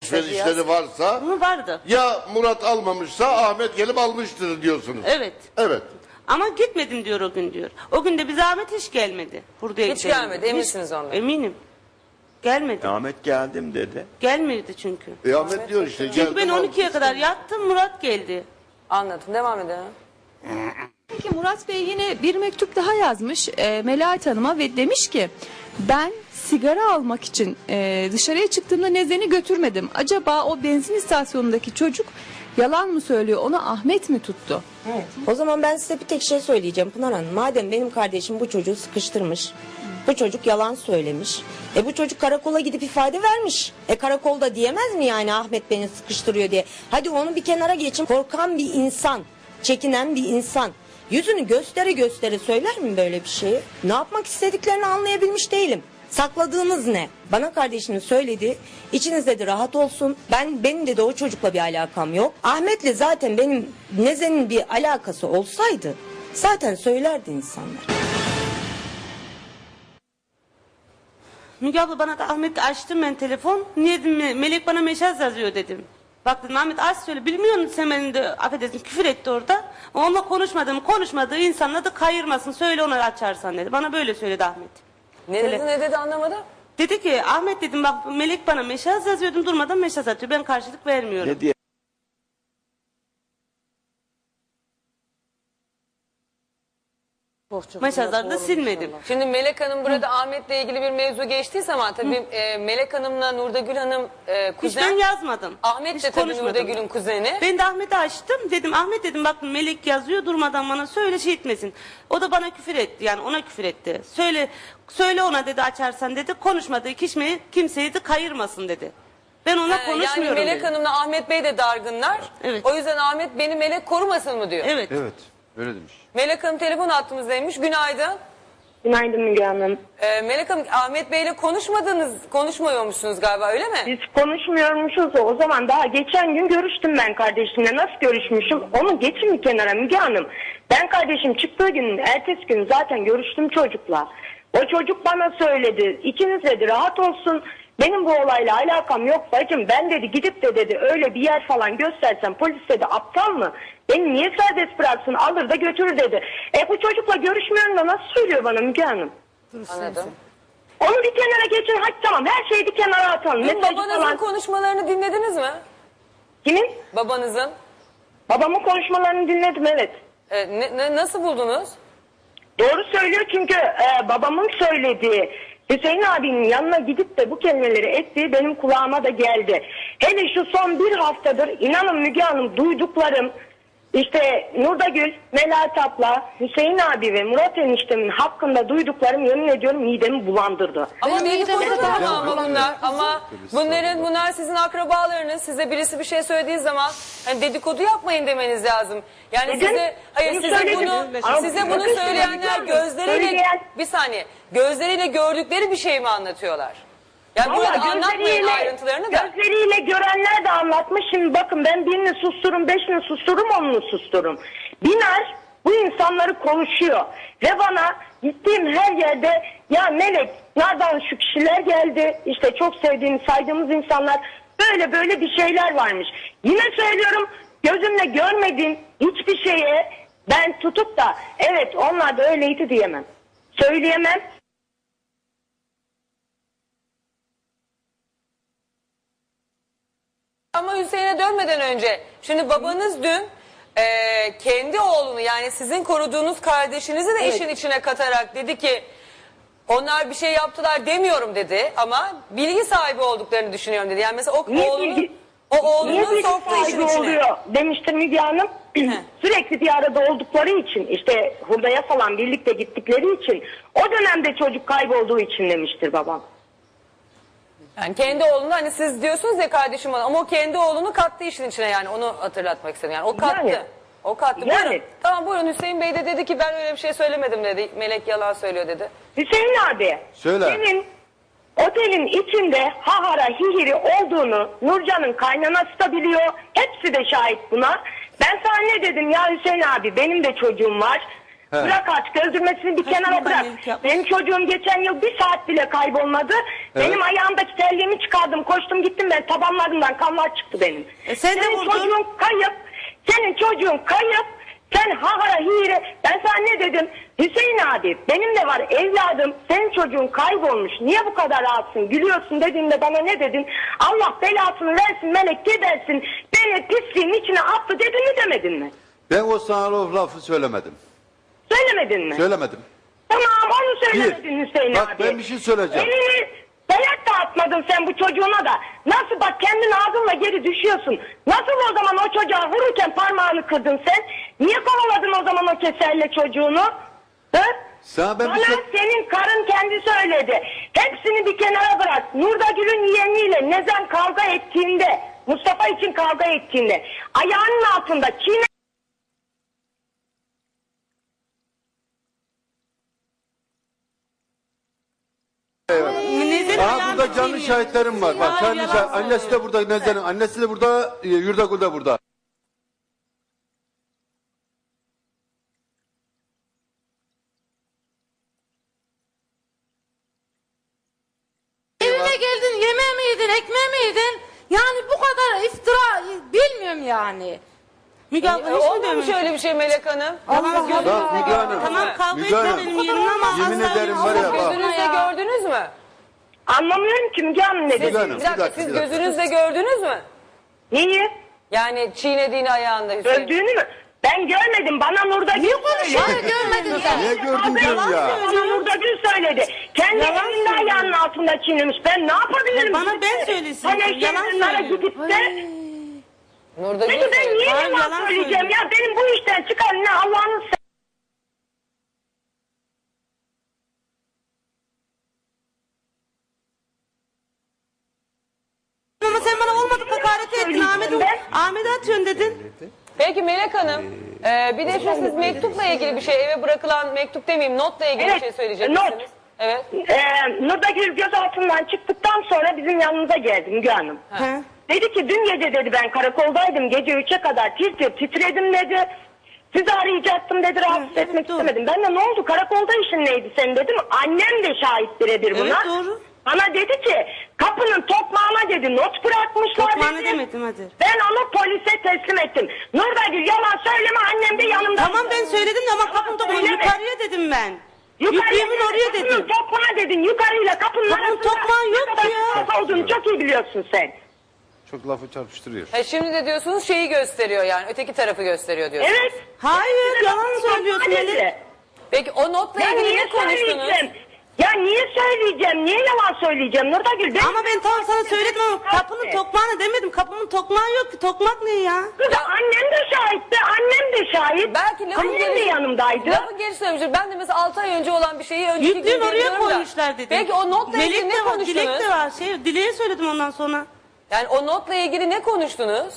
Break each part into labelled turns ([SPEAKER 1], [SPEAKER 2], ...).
[SPEAKER 1] alışverişleri varsa
[SPEAKER 2] Bunu vardı.
[SPEAKER 1] ya Murat almamışsa Ahmet gelip almıştır diyorsunuz.
[SPEAKER 2] Evet.
[SPEAKER 1] Evet.
[SPEAKER 2] Ama gitmedim diyor o gün diyor. O gün de bize Ahmet hiç gelmedi. Buraya
[SPEAKER 3] Hiç
[SPEAKER 2] gidelim
[SPEAKER 3] gelmedi,
[SPEAKER 2] diyor.
[SPEAKER 3] eminsiniz ondan.
[SPEAKER 2] Eminim. Gelmedi.
[SPEAKER 4] Ahmet geldim dedi.
[SPEAKER 2] Gelmedi çünkü.
[SPEAKER 1] Ahmet diyor işte.
[SPEAKER 2] Çünkü ben
[SPEAKER 1] geldim
[SPEAKER 2] 12'ye kadar yattım, Murat geldi.
[SPEAKER 3] Anladım. Devam edelim.
[SPEAKER 5] Peki Murat Bey yine bir mektup daha yazmış Melahat Hanım'a ve demiş ki ben sigara almak için dışarıya çıktığımda Nezen'i götürmedim. Acaba o benzin istasyonundaki çocuk yalan mı söylüyor, onu Ahmet mi tuttu?
[SPEAKER 6] Evet. O zaman ben size bir tek şey söyleyeceğim Pınar Hanım. Madem benim kardeşim bu çocuğu sıkıştırmış, bu çocuk yalan söylemiş. Bu çocuk karakola gidip ifade vermiş. Karakolda diyemez mi yani Ahmet beni sıkıştırıyor diye. Hadi onu bir kenara geçin. Korkan bir insan, çekinen bir insan yüzünü göstere göstere söyler mi böyle bir şeyi? Ne yapmak istediklerini anlayabilmiş değilim. Sakladığınız ne? Bana kardeşinin söyledi. İçinizde de rahat olsun. Benim de o çocukla bir alakam yok. Ahmet'le zaten benim Nezen'in bir alakası olsaydı zaten söylerdi insanlar.
[SPEAKER 2] Müge abla bana da Ahmet açtım ben telefon. Niye dedim, Melek bana mesaj yazıyor dedim. Bak dedim Ahmet az söyle, bilmiyor musun sen beni de affedersin küfür etti orada. Onunla konuşmadığı insanla da kayırmasın, söyle ona açarsan dedi. Bana böyle söyledi Ahmet.
[SPEAKER 3] Ne dedi anlamadım.
[SPEAKER 2] Dedi ki Ahmet dedim bak Melek bana mesaj yazıyordum, durmadan mesaj atıyor, ben karşılık vermiyorum.
[SPEAKER 4] Ne diye?
[SPEAKER 2] Mesajları da silmedim.
[SPEAKER 3] Şimdi Melek Hanım burada Ahmet'le ilgili bir mevzu geçtiği zaman tabii Melek Hanım'la Nurdagül Hanım
[SPEAKER 2] Hiç ben
[SPEAKER 3] kuzen.
[SPEAKER 2] yazmadım.
[SPEAKER 3] Ahmet
[SPEAKER 2] Hiç
[SPEAKER 3] de tabii
[SPEAKER 2] konuşmadım.
[SPEAKER 3] Nurdagül'ün kuzeni.
[SPEAKER 2] Ben de Ahmet'i açtım. Dedim Ahmet dedim bak Melek yazıyor, durmadan bana söyle şey etmesin. O da bana küfür etti, yani ona küfür etti. Söyle ona dedi açarsan dedi, konuşmadığı kimseyi de kayırmasın dedi. Ben ona konuşmuyorum
[SPEAKER 3] Yani Melek
[SPEAKER 2] dedim.
[SPEAKER 3] Hanım'la Ahmet Bey de dargınlar.
[SPEAKER 2] Evet.
[SPEAKER 3] O yüzden Ahmet beni Melek korumasın mı diyor.
[SPEAKER 2] Evet.
[SPEAKER 4] Evet. Öyle demiş.
[SPEAKER 3] Melek Hanım telefon hattımızdaymış. Günaydın.
[SPEAKER 6] Günaydın Müge Hanım.
[SPEAKER 3] Melek Hanım Ahmet Bey'le konuşmuyormuşsunuz galiba, öyle mi?
[SPEAKER 7] Biz konuşmuyormuşuz o zaman, daha geçen gün görüştüm ben kardeşimle. Nasıl görüşmüşüm onu geçin bir kenara Müge Hanım. Ben kardeşim çıktığı gün ertesi gün zaten görüştüm çocukla. O çocuk bana söyledi, İkiniz dedi rahat olsun, benim bu olayla alakam yok bacım. Ben dedi gidip de dedi öyle bir yer falan göstersem polis dedi aptal mı? Beni niye serbest bıraksın, alır da götürür dedi. Bu çocukla görüşmüyorum da nasıl söylüyor bana Müge Hanım?
[SPEAKER 3] Anladım.
[SPEAKER 7] Onu bir kenara geçin, hadi tamam her şeyi bir kenara atalım.
[SPEAKER 3] Dün
[SPEAKER 7] Mesajı
[SPEAKER 3] babanızın
[SPEAKER 7] falan.
[SPEAKER 3] konuşmalarını dinlediniz mi?
[SPEAKER 7] Kimin?
[SPEAKER 3] Babanızın.
[SPEAKER 7] Babamın konuşmalarını dinledim, evet.
[SPEAKER 3] Nasıl buldunuz?
[SPEAKER 7] Doğru söylüyor çünkü babamın söylediği, Hüseyin abinin yanına gidip de bu kelimeleri ettiği benim kulağıma da geldi. Hele şu son bir haftadır inanın Müge Hanım duyduklarım, işte Nurdagül, Melahat abla, Hüseyin abi ve Murat eniştemin hakkında duyduklarım yemin ediyorum midemi bulandırdı.
[SPEAKER 3] Ama
[SPEAKER 5] Benim
[SPEAKER 3] dedikodu
[SPEAKER 5] mideme de
[SPEAKER 3] da
[SPEAKER 5] darbe
[SPEAKER 3] ama bunlar. Ama bunlar sizin akrabalarınız. Size birisi bir şey söylediği zaman hani dedikodu yapmayın demeniz lazım. Yani
[SPEAKER 7] Neden?
[SPEAKER 3] size bunu
[SPEAKER 7] Bakın
[SPEAKER 3] söyleyenler
[SPEAKER 7] şimdi,
[SPEAKER 3] gözleriyle
[SPEAKER 7] söyleyen-
[SPEAKER 3] bir saniye gözleriyle gördükleri bir şey mi anlatıyorlar? Yani
[SPEAKER 7] Vallahi
[SPEAKER 3] burada anlatmayın ayrıntılarını da.
[SPEAKER 7] gözleriyle görenler de anlatmış. Şimdi bakın ben birini sustururum, beşini sustururum, onunu sustururum. Biner bu insanları konuşuyor. Ve bana gittiğim her yerde ya Melek nereden şu kişiler geldi, işte çok sevdiğim saydığımız insanlar, böyle bir şeyler varmış. Yine söylüyorum, gözümle görmediğim hiçbir şeye ben tutup da evet onlar da öyleydi diyemem. Söyleyemem.
[SPEAKER 3] Ama Hüseyin'e dönmeden önce şimdi babanız dün kendi oğlunu yani sizin koruduğunuz kardeşinizi de işin içine katarak dedi ki onlar bir şey yaptılar demiyorum dedi ama bilgi sahibi olduklarını düşünüyorum dedi. Yani mesela
[SPEAKER 7] Niye
[SPEAKER 3] oğlunun
[SPEAKER 7] bilgi
[SPEAKER 3] soktuğu işin
[SPEAKER 7] sahibi
[SPEAKER 3] içine.
[SPEAKER 7] oluyor demiştir Müge Hanım. Sürekli bir arada oldukları için, işte hurdaya falan birlikte gittikleri için, o dönemde çocuk kaybolduğu için demiştir babam.
[SPEAKER 3] Yani kendi oğlunu hani siz diyorsunuz ya kardeşim ama o kendi oğlunu kattı işin içine, yani onu hatırlatmak istedim. Yani o kattı.
[SPEAKER 7] Yani.
[SPEAKER 3] O kattı.
[SPEAKER 7] Yani.
[SPEAKER 3] Buyurun. Tamam buyurun, Hüseyin Bey de dedi ki ben öyle bir şey söylemedim dedi. Melek yalan söylüyor dedi.
[SPEAKER 7] Hüseyin abi,
[SPEAKER 4] Söyle.
[SPEAKER 7] senin otelin içinde hahara hihiri olduğunu Nurcan'ın kaynanası da biliyor. Hepsi de şahit buna. Ben sana ne dedim ya Hüseyin abi, benim de çocuğum var.
[SPEAKER 1] He.
[SPEAKER 7] Bırak artık öldürmesini bir kenara
[SPEAKER 2] Kaçma
[SPEAKER 7] bırak.
[SPEAKER 2] annelik yapmış.
[SPEAKER 7] Benim çocuğum geçen yıl bir saat bile kaybolmadı. Benim ayağımdaki terliğimi çıkardım. Koştum gittim ben. Tabanlarımdan kanlar çıktı benim.
[SPEAKER 2] Sen de
[SPEAKER 7] Senin
[SPEAKER 2] vurdun.
[SPEAKER 7] çocuğun kayıp. Senin çocuğun kayıp. Sen hahara hire. Ben sana ne dedim? Hüseyin abi benim de var evladım. Senin çocuğun kaybolmuş. Niye bu kadar rahatsın? Gülüyorsun dediğimde bana ne dedin? Allah belasını versin melek gebersin. Beni pisliğin içine attı dedin mi demedin mi?
[SPEAKER 1] Ben o sana o lafı söylemedim.
[SPEAKER 7] Söylemedin mi?
[SPEAKER 1] Söylemedim.
[SPEAKER 7] Tamam onu söylemedin Hüseyin
[SPEAKER 1] Bak,
[SPEAKER 7] abi.
[SPEAKER 1] ben bir şey söyleyeceğim.
[SPEAKER 7] Elini dayak da atmadın sen bu çocuğuna da. Nasıl bak kendin ağzınla geri düşüyorsun. Nasıl o zaman o çocuğa vururken parmağını kırdın sen? Niye kovaladın o zaman o keserle çocuğunu? Hı?
[SPEAKER 1] Sana ben
[SPEAKER 7] Bana
[SPEAKER 1] bir şey...
[SPEAKER 7] senin karın kendi söyledi. Hepsini bir kenara bırak. Nurda Gül'ün yeğeniyle Nezen kavga ettiğinde, Mustafa için kavga ettiğinde ayağının altında çiğne...
[SPEAKER 2] Nezen'in
[SPEAKER 1] Aha
[SPEAKER 2] ayağını
[SPEAKER 1] burada canlı
[SPEAKER 2] çiğniyor.
[SPEAKER 1] şahitlerim var. Bak
[SPEAKER 2] Hayır,
[SPEAKER 1] canlı
[SPEAKER 2] yalan
[SPEAKER 1] şahit. Annesi de
[SPEAKER 2] söylüyor.
[SPEAKER 1] burada Nezen'in. Annesi de burada, Yurdagül de burada.
[SPEAKER 8] Evine geldin, yemeğe mi yedin, ekmeğe mi yedin? Yani bu kadar iftira bilmiyorum yani.
[SPEAKER 2] Müge abla hiç mi
[SPEAKER 3] Olmamış
[SPEAKER 2] dövmemiş?
[SPEAKER 3] öyle bir şey Melek Hanım.
[SPEAKER 2] Yalan söylüyor.
[SPEAKER 1] Bak Müge Hanım.
[SPEAKER 2] Tamam kavga
[SPEAKER 1] Müge
[SPEAKER 2] etme
[SPEAKER 1] Hanım.
[SPEAKER 2] benim yerimde ama
[SPEAKER 1] Yemin
[SPEAKER 2] asla
[SPEAKER 1] ederim var ya bak.
[SPEAKER 3] Gözünüzle gördünüz mü?
[SPEAKER 7] Anlamıyorum ki Müge Hanım ne
[SPEAKER 1] Müge
[SPEAKER 7] dedi.
[SPEAKER 1] Hanım,
[SPEAKER 3] Bir dakika, siz gözünüzle gördünüz mü?
[SPEAKER 7] Neyi?
[SPEAKER 3] Yani çiğnediğini ayağında Hüseyin.
[SPEAKER 7] Öldüğünü mü? Ben görmedim. Bana Nurda Gül söyledi.
[SPEAKER 8] Hayır görmedin sen.
[SPEAKER 1] Niye gördün diyorum ya?
[SPEAKER 7] Bana Nurda Gül söyledi. Kendi
[SPEAKER 2] Yalan
[SPEAKER 7] evinde
[SPEAKER 2] söylüyor.
[SPEAKER 7] ayağının altında çiğnemiş. Ben ne yapabilirim?
[SPEAKER 2] Bana ben söylesin.
[SPEAKER 7] Hani
[SPEAKER 2] Yalan
[SPEAKER 7] eşyalarına
[SPEAKER 2] söylüyor.
[SPEAKER 7] gidip de...
[SPEAKER 3] Nurda Gül
[SPEAKER 7] Peki ben
[SPEAKER 3] söyledi.
[SPEAKER 7] niye
[SPEAKER 2] Hayır,
[SPEAKER 7] yalan
[SPEAKER 2] yalan
[SPEAKER 7] söyleyeceğim
[SPEAKER 2] söylüyor.
[SPEAKER 7] ya? Benim bu işten çıkan ne Allah'ın
[SPEAKER 2] Ama sen bana olmadık hakaret ettin. Ahmet'e atıyorsun dedin.
[SPEAKER 3] Peki Melek Hanım, bir de şu siz mektupla ilgili bir şey, eve bırakılan mektup demeyeyim, notla ilgili
[SPEAKER 7] Evet,
[SPEAKER 3] bir şey söyleyecek
[SPEAKER 7] not.
[SPEAKER 3] misiniz? Evet.
[SPEAKER 7] Nurda Gül gözaltından çıktıktan sonra bizim yanımıza geldi Müge Hanım.
[SPEAKER 2] He.
[SPEAKER 7] Dedi ki dün gece dedi ben karakoldaydım gece 3'e kadar titredim dedi. Sizi arayacaktım dedi rahatsız
[SPEAKER 2] Evet,
[SPEAKER 7] etmek
[SPEAKER 2] doğru.
[SPEAKER 7] istemedim. Ben de ne oldu karakolda işin neydi senin dedim. Annem de şahit birebir buna.
[SPEAKER 2] Evet, doğru.
[SPEAKER 7] Bana dedi ki kapının tokmağına dedi not bırakmışlar
[SPEAKER 2] Tokmağını
[SPEAKER 7] dedi.
[SPEAKER 2] demedim hadi.
[SPEAKER 7] Ben onu polise teslim ettim. Nurgül yalan söyleme annem de yanımda.
[SPEAKER 2] Tamam ben söyledim de ama kapının tokmağı
[SPEAKER 7] Söyleme.
[SPEAKER 2] yukarıya dedim ben.
[SPEAKER 7] Yukarıya
[SPEAKER 2] Yüklüğümün oraya
[SPEAKER 7] kapının
[SPEAKER 2] dedim.
[SPEAKER 7] tokmağı dedin yukarıyla kapının
[SPEAKER 2] Kapının
[SPEAKER 7] arasında
[SPEAKER 2] tokmağı yok
[SPEAKER 7] ne kadar
[SPEAKER 2] ya.
[SPEAKER 7] fark olduğunu çok iyi biliyorsun sen.
[SPEAKER 1] Çok lafı çarpıştırıyor.
[SPEAKER 3] Şimdi de diyorsunuz şeyi gösteriyor yani, öteki tarafı gösteriyor diyorsunuz.
[SPEAKER 7] Evet.
[SPEAKER 2] Hayır yalan
[SPEAKER 7] Kapının
[SPEAKER 2] söylüyorsun
[SPEAKER 7] tokmağı
[SPEAKER 2] Melek.
[SPEAKER 7] dedi.
[SPEAKER 3] Peki o notla
[SPEAKER 7] Ya
[SPEAKER 3] ilgili
[SPEAKER 7] niye
[SPEAKER 3] ne konuştunuz?
[SPEAKER 7] söyleyeceğim? Ya niye söyleyeceğim? Niye yalan söyleyeceğim Nurgül?
[SPEAKER 2] Ama ben tamam sana söyledim ama kapının tokmağını demedim. Kapımın tokmağı yok ki. Tokmak ne ya?
[SPEAKER 7] Kız annem de şahitti. Annem de şahit.
[SPEAKER 3] Belki lafın
[SPEAKER 7] annem de
[SPEAKER 3] gelişi-
[SPEAKER 7] yanımdaydı.
[SPEAKER 3] Lafın gelişi söylemiştir. Ben de mesela 6 ay önce olan bir şeyi önceki
[SPEAKER 2] Yüklüğün
[SPEAKER 3] gün
[SPEAKER 2] oraya
[SPEAKER 3] biliyorum da.
[SPEAKER 2] koymuşlar dedim.
[SPEAKER 3] Peki o notla ilgili
[SPEAKER 2] Melek
[SPEAKER 3] ne
[SPEAKER 2] de var, Dilek
[SPEAKER 3] konuştunuz?
[SPEAKER 2] de var. Dileğe söyledim ondan sonra.
[SPEAKER 3] Yani o notla ilgili ne konuştunuz?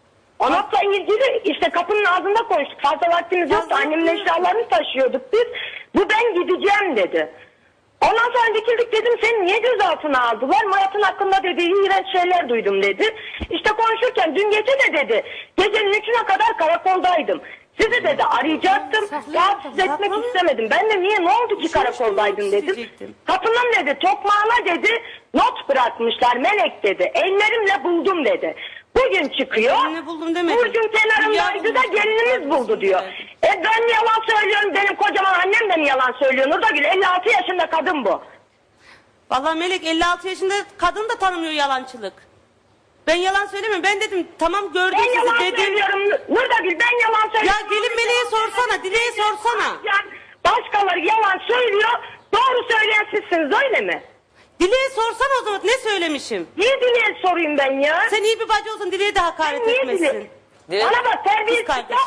[SPEAKER 7] Onunla ilgili işte kapının ağzında konuştuk. Fazla vaktimiz yoktu.
[SPEAKER 2] Fazla
[SPEAKER 7] Annemin
[SPEAKER 2] yok.
[SPEAKER 7] eşyalarını taşıyorduk biz. Bu ben gideceğim dedi. Ondan sonra dikildik dedim seni niye gözaltına aldılar? Murat'ın hakkında dedi iğrenç şeyler duydum dedi. İşte konuşurken dün gece de dedi gecenin 3'üne kadar karakoldaydım. Sizi dedi arayacaktım. Rahatsız etmek istemedim. Ben de niye ne oldu ki karakoldaydın dedim.
[SPEAKER 2] isteyecektim.
[SPEAKER 7] Kapının dedi tokmağına dedi not bırakmışlar Melek dedi. Ellerimle buldum dedi. Bugün çıkıyor.
[SPEAKER 2] Ellerimle buldum demedim.
[SPEAKER 7] Burcun kenarındaydı da gelinimiz buldu diyor. Ben mi yalan söylüyorum benim kocaman annem de mi yalan söylüyor Nurgül 56 yaşında kadın bu.
[SPEAKER 2] Vallahi Melek 56 yaşında kadın da tanımıyor yalancılık. Ben yalan söylemiyorum. Ben dedim tamam gördüm
[SPEAKER 7] Ben yalan
[SPEAKER 2] sizi dedim.
[SPEAKER 7] söylüyorum Nurgül ben yalan
[SPEAKER 2] Ya
[SPEAKER 7] söylüyorum.
[SPEAKER 2] gelin Melek'e sorsana, Dilek'e sorsana.
[SPEAKER 7] Başkaları yalan söylüyor. Doğru söyleyen sizsiniz öyle mi?
[SPEAKER 2] Dilek'e sorsana o zaman ne söylemişim?
[SPEAKER 7] Niye Dile'ye sorayım ben ya?
[SPEAKER 2] Sen iyi bir bacı olsun Dilek'e de hakaret
[SPEAKER 7] Niye
[SPEAKER 2] etmesin.
[SPEAKER 7] Dile?
[SPEAKER 3] Dilek-
[SPEAKER 7] Bana bak
[SPEAKER 2] Kız
[SPEAKER 7] terbiyesiz.
[SPEAKER 2] kardeş.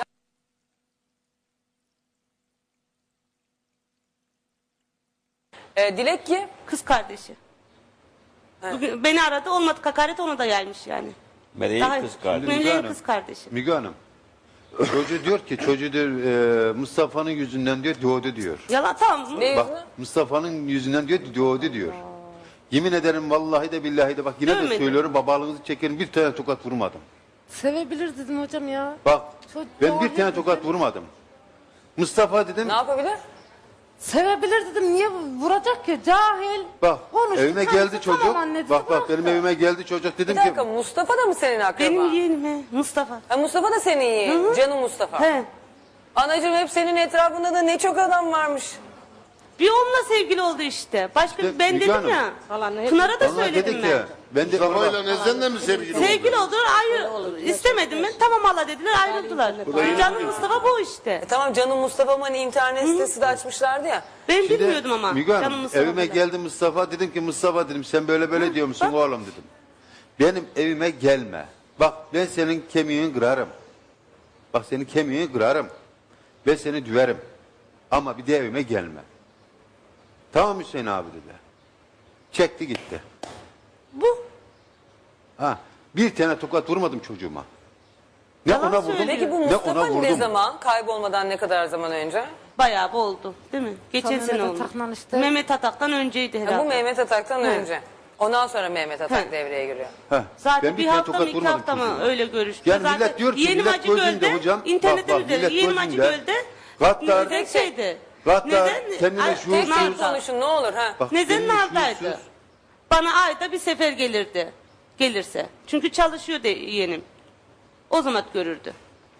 [SPEAKER 3] Dilek ki
[SPEAKER 2] Kız kardeşi. Bugün beni aradı olmadı hakaret ona da gelmiş yani.
[SPEAKER 4] Meleğin
[SPEAKER 2] Daha-
[SPEAKER 4] kız kardeşi.
[SPEAKER 2] Meleğin
[SPEAKER 1] Hanım.
[SPEAKER 2] kız kardeşi.
[SPEAKER 1] Müge Hanım. Çocuğu diyor ki çocuğu diyor, Mustafa'nın yüzünden diyor doğdu diyor.
[SPEAKER 2] Yalan tamam.
[SPEAKER 3] ne
[SPEAKER 1] Bak
[SPEAKER 3] yüzünü?
[SPEAKER 1] Mustafa'nın yüzünden diyor doğdu diyor. Yemin ederim vallahi de billahi de bak yine de
[SPEAKER 2] Dövmedim.
[SPEAKER 1] söylüyorum babalığınızı çekerim bir tane tokat vurmadım.
[SPEAKER 8] Sevebilir dedim hocam ya.
[SPEAKER 1] Bak
[SPEAKER 8] Çok
[SPEAKER 1] ben
[SPEAKER 8] doğru
[SPEAKER 1] bir tane tokat vurmadım. Mustafa dedim.
[SPEAKER 3] Ne yapabilir?
[SPEAKER 8] Sevebilir dedim. Niye vuracak ki? Cahil.
[SPEAKER 1] Bak
[SPEAKER 8] Konuştu,
[SPEAKER 1] evime
[SPEAKER 8] kendisi
[SPEAKER 1] geldi çocuk.
[SPEAKER 8] tamam anne dedi,
[SPEAKER 1] Bak benim
[SPEAKER 8] bıraktı.
[SPEAKER 1] evime geldi çocuk
[SPEAKER 3] Bir
[SPEAKER 1] dedim ki.
[SPEAKER 3] dakika, Mustafa da mı senin akraban?
[SPEAKER 2] Benim yeğenim Mustafa.
[SPEAKER 3] Ha, Mustafa da senin yeğenin. Canım Mustafa.
[SPEAKER 2] He.
[SPEAKER 3] Anacığım hep senin etrafında da ne çok adam varmış.
[SPEAKER 2] Bir onunla sevgili oldu işte. Başka
[SPEAKER 1] İşte
[SPEAKER 2] ben
[SPEAKER 1] Müge
[SPEAKER 2] dedim
[SPEAKER 1] Hanım.
[SPEAKER 2] ya. Pınar'a da
[SPEAKER 1] Onlar
[SPEAKER 2] söyledim
[SPEAKER 1] dedik
[SPEAKER 2] ben.
[SPEAKER 1] ya. Ben de
[SPEAKER 9] Mustafa'yla Nezen'le mi sevgili oldu?
[SPEAKER 2] Sevgili oldular, istemedim ben. Tamam hala dediler, ayrıldılar. Canım Mustafa bu işte.
[SPEAKER 3] Tamam, Canım Mustafa'm hani internet sitesi de açmışlardı ya.
[SPEAKER 2] Ben
[SPEAKER 1] Şimdi
[SPEAKER 2] bilmiyordum ama.
[SPEAKER 1] Müge Hanım,
[SPEAKER 2] Canım Mustafa
[SPEAKER 1] evime
[SPEAKER 2] falan.
[SPEAKER 1] geldi Mustafa, dedim ki Mustafa dedim sen böyle diyor musun
[SPEAKER 2] bak.
[SPEAKER 1] oğlum dedim. Benim evime gelme. Bak ben senin kemiğini kırarım. Bak senin kemiğini kırarım. Ben seni düverim. Ama bir de evime gelme. Tamam Hüseyin abi dedi. Çekti gitti.
[SPEAKER 2] Bu.
[SPEAKER 1] Ha, bir tane tokat vurmadım çocuğuma. Ne
[SPEAKER 2] Yalan
[SPEAKER 1] ona vurdum,
[SPEAKER 2] söylüyor.
[SPEAKER 3] Peki bu
[SPEAKER 1] ne
[SPEAKER 3] Mustafa
[SPEAKER 1] ona
[SPEAKER 3] ne
[SPEAKER 1] vurdum.
[SPEAKER 3] zaman? Kaybolmadan ne kadar zaman önce?
[SPEAKER 2] Bayağı bir oldu değil mi? Geçen
[SPEAKER 8] Tam
[SPEAKER 2] sene
[SPEAKER 8] Mehmet
[SPEAKER 2] oldu.
[SPEAKER 8] Atak'la işte.
[SPEAKER 2] Mehmet Atak'tan önceydi
[SPEAKER 3] Ha,
[SPEAKER 2] herhalde.
[SPEAKER 3] bu Mehmet Atak'tan
[SPEAKER 2] He.
[SPEAKER 3] önce. Ondan sonra Mehmet Atak
[SPEAKER 2] He.
[SPEAKER 3] devreye giriyor.
[SPEAKER 1] Heh,
[SPEAKER 2] Zaten
[SPEAKER 1] ben
[SPEAKER 2] bir
[SPEAKER 1] tane
[SPEAKER 2] hafta mı
[SPEAKER 1] tokat
[SPEAKER 2] 2
[SPEAKER 1] vurmadım
[SPEAKER 2] hafta mı
[SPEAKER 1] çocuğuma.
[SPEAKER 2] öyle görüştük.
[SPEAKER 1] Yani
[SPEAKER 2] Zaten
[SPEAKER 1] millet diyor ki
[SPEAKER 2] Yeni
[SPEAKER 1] millet
[SPEAKER 2] Macı
[SPEAKER 1] gözünde
[SPEAKER 2] Göl'de,
[SPEAKER 1] hocam.
[SPEAKER 2] internetten
[SPEAKER 1] bak,
[SPEAKER 2] izledim.
[SPEAKER 1] millet
[SPEAKER 2] Yeni Macı
[SPEAKER 1] gözünde.
[SPEAKER 2] Göl'de
[SPEAKER 1] Gaddar,
[SPEAKER 2] tek şeydi.
[SPEAKER 1] Gaddar, kendine
[SPEAKER 2] Ay,
[SPEAKER 1] şuursuz.
[SPEAKER 3] Tek tek konuşun ne olur. Ha.
[SPEAKER 1] Bak,
[SPEAKER 2] Neden'in
[SPEAKER 1] kendine
[SPEAKER 2] aldaydı.
[SPEAKER 1] şuursuz.
[SPEAKER 2] Bana ayda bir sefer gelirdi. Gelirse. Çünkü çalışıyordu yeğenim. O zaman görürdü.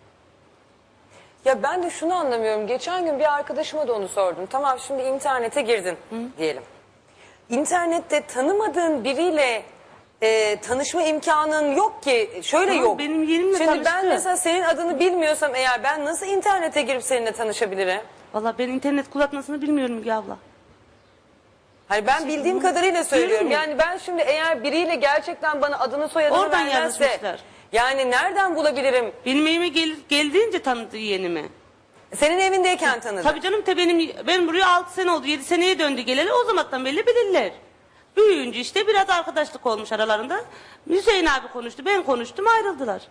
[SPEAKER 3] Ya ben de şunu anlamıyorum. Geçen gün bir arkadaşıma da onu sordum. Tamam, şimdi internete girdin diyelim. İnternette tanımadığın biriyle tanışma imkanın yok ki. Şöyle
[SPEAKER 2] Tamam,
[SPEAKER 3] yok.
[SPEAKER 2] benim yeğenimle
[SPEAKER 3] Şimdi ben
[SPEAKER 2] tanıştı.
[SPEAKER 3] mesela senin adını bilmiyorsam eğer ben nasıl internete girip seninle tanışabilirim?
[SPEAKER 2] Valla ben internet kullanmasını bilmiyorum Müge abla.
[SPEAKER 3] Hani ben bildiğim kadarıyla söylüyorum.
[SPEAKER 2] Diyorum ya.
[SPEAKER 3] Yani ben şimdi eğer biriyle gerçekten bana adını soyadını
[SPEAKER 2] Oradan
[SPEAKER 3] vermezse...
[SPEAKER 2] yazışmışlar.
[SPEAKER 3] Yani nereden bulabilirim?
[SPEAKER 2] Benim evime geldiğince tanıdı yeğenimi.
[SPEAKER 3] Senin evindeyken tanıdım.
[SPEAKER 2] Tabii canım ben buraya 6 sene oldu. 7 seneye döndü geleli. O zamandan belli bilirler. Büyüyünce işte biraz arkadaşlık olmuş aralarında. Hüseyin abi konuştu, ben konuştum, ayrıldılar.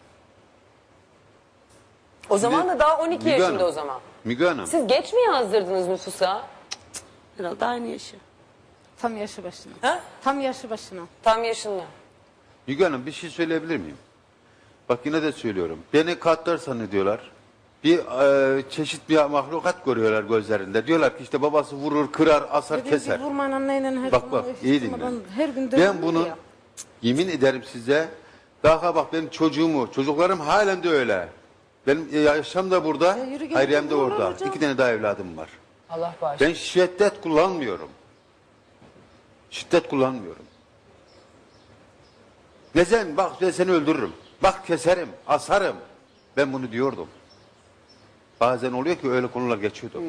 [SPEAKER 3] O zaman da daha 12
[SPEAKER 1] Müge
[SPEAKER 3] yaşında
[SPEAKER 1] Hanım,
[SPEAKER 3] o zaman.
[SPEAKER 1] Müge Hanım.
[SPEAKER 3] Siz geç mi yazdırdınız nüfusa?
[SPEAKER 2] Herhalde aynı yaşı.
[SPEAKER 8] Tam yaşı başına.
[SPEAKER 3] Ha?
[SPEAKER 8] Tam yaşı başına.
[SPEAKER 3] Tam yaşında.
[SPEAKER 1] Müge Hanım bir şey söyleyebilir miyim? Bak yine de söylüyorum. Beni katlar zannediyorlar. Bir çeşit bir mahlukat görüyorlar gözlerinde. Diyorlar ki işte babası vurur, kırar, asar,
[SPEAKER 8] Dediğim
[SPEAKER 1] keser.
[SPEAKER 8] gibi vurmayın anneyle her
[SPEAKER 1] Bak
[SPEAKER 8] zaman
[SPEAKER 1] bak
[SPEAKER 8] hiç
[SPEAKER 1] iyi
[SPEAKER 8] durmadan
[SPEAKER 1] dinle.
[SPEAKER 8] Her gün
[SPEAKER 1] Ben
[SPEAKER 8] dövüyor
[SPEAKER 1] bunu
[SPEAKER 8] ya.
[SPEAKER 1] yemin ederim size. Daha bak benim çocuklarım halen de öyle. Benim yaşam da burada,
[SPEAKER 8] Ya yürü gel,
[SPEAKER 1] Hayriyem de
[SPEAKER 8] vururlar
[SPEAKER 1] orada.
[SPEAKER 8] hocam.
[SPEAKER 1] 2 tane daha evladım var.
[SPEAKER 3] Allah bağışlasın.
[SPEAKER 1] Ben şiddet kullanmıyorum. Şiddet kullanmıyorum. Nezen bak ben seni öldürürüm. Bak keserim, asarım. Ben bunu diyordum. Bazen oluyor ki öyle konular geçiyordu.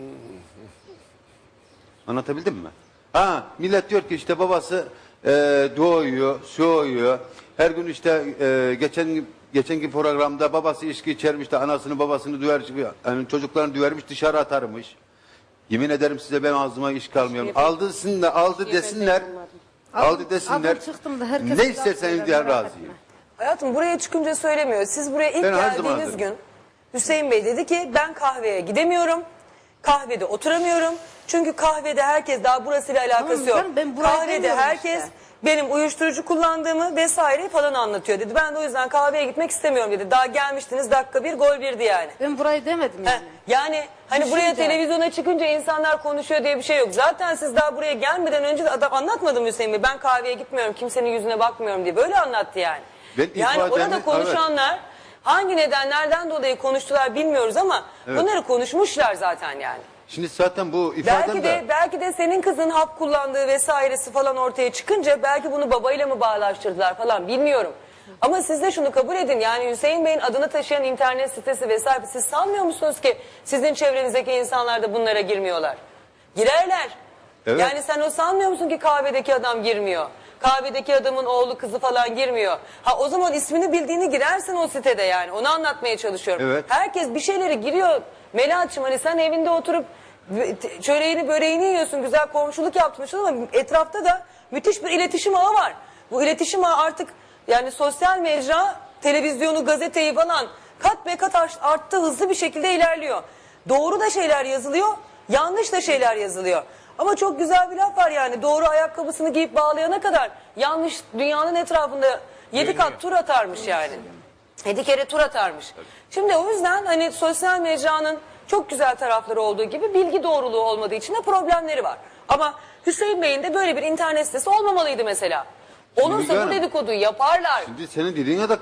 [SPEAKER 1] Anlatabildim mi? Ha, millet diyor ki işte babası doğuyor, soğuyor. Her gün işte geçenki programda babası içki içermiş de anasını babasını döver, yani çocuklarını dövermiş dışarı atarmış. Yemin ederim size ben ağzıma iş kalmıyorum. Aldı desinler. Aldı desinler.
[SPEAKER 8] Adım çıktım da herkes
[SPEAKER 1] Ne
[SPEAKER 8] laf
[SPEAKER 1] isterseniz
[SPEAKER 8] söyler,
[SPEAKER 1] diye
[SPEAKER 8] merak
[SPEAKER 1] razıyım.
[SPEAKER 8] etme.
[SPEAKER 3] Hayatım buraya çıkınca söylemiyor. Siz buraya ilk
[SPEAKER 1] Ben her zaman
[SPEAKER 3] geldiğiniz
[SPEAKER 1] hazırım.
[SPEAKER 3] gün Hüseyin Bey dedi ki ben kahveye gidemiyorum. Kahvede oturamıyorum. Çünkü kahvede herkes daha burasıyla alakası
[SPEAKER 8] Tamam,
[SPEAKER 3] yok.
[SPEAKER 8] ben burayı
[SPEAKER 3] Kahvede
[SPEAKER 8] demiyorum
[SPEAKER 3] herkes
[SPEAKER 8] işte.
[SPEAKER 3] benim uyuşturucu kullandığımı vesaire falan anlatıyor dedi. Ben de o yüzden kahveye gitmek istemiyorum dedi. Daha gelmiştiniz dakika 1 gol 1'di yani.
[SPEAKER 8] Ben burayı demedim
[SPEAKER 3] Heh,
[SPEAKER 8] yani.
[SPEAKER 3] yani hani buraya televizyona çıkınca insanlar konuşuyor diye bir şey yok. Zaten siz daha buraya gelmeden önce de adam anlatmadı mı Hüseyin Bey? Ben kahveye gitmiyorum, kimsenin yüzüne bakmıyorum diye. Böyle anlattı yani.
[SPEAKER 1] Ben
[SPEAKER 3] Yani
[SPEAKER 1] ifademi-
[SPEAKER 3] orada konuşanlar hangi nedenlerden dolayı konuştular bilmiyoruz ama bunları konuşmuşlar zaten yani.
[SPEAKER 1] Şimdi zaten bu ifadem
[SPEAKER 3] Belki de senin kızın hap kullandığı vesairesi falan ortaya çıkınca belki bunu babayla mı bağlaştırdılar falan bilmiyorum. Ama siz de şunu kabul edin yani Hüseyin Bey'in adını taşıyan internet sitesi vesaire siz sanmıyor musunuz ki sizin çevrenizdeki insanlar da bunlara girmiyorlar? Girerler.
[SPEAKER 1] Evet.
[SPEAKER 3] Yani sen o sanmıyor musun ki kahvedeki adam girmiyor? Kahvedeki adamın oğlu kızı falan girmiyor. Ha o zaman ismini bildiğini girersin o sitede yani. Onu anlatmaya çalışıyorum.
[SPEAKER 1] Evet.
[SPEAKER 3] Herkes bir şeyleri giriyor. Melahat'cığım hani sen evinde oturup çöreğini böreğini yiyorsun. Güzel komşuluk yapmışsın ama etrafta da müthiş bir iletişim ağı var. Bu iletişim ağı artık yani sosyal mecra, televizyonu, gazeteyi falan kat be kat arttı, hızlı bir şekilde ilerliyor. Doğru da şeyler yazılıyor, yanlış da şeyler yazılıyor. Ama çok güzel bir laf var yani doğru ayakkabısını giyip bağlayana kadar yanlış dünyanın etrafında 7 kat tur atarmış yani. 7 kere tur atarmış. Şimdi o yüzden hani sosyal mecranın çok güzel tarafları olduğu gibi bilgi doğruluğu olmadığı için de problemleri var. Ama Hüseyin Bey'in de böyle bir internet sitesi olmamalıydı mesela. Olursa
[SPEAKER 1] Müge
[SPEAKER 3] bu
[SPEAKER 1] Hanım,
[SPEAKER 3] dedikoduyu yaparlar.
[SPEAKER 1] Şimdi senin dediğine de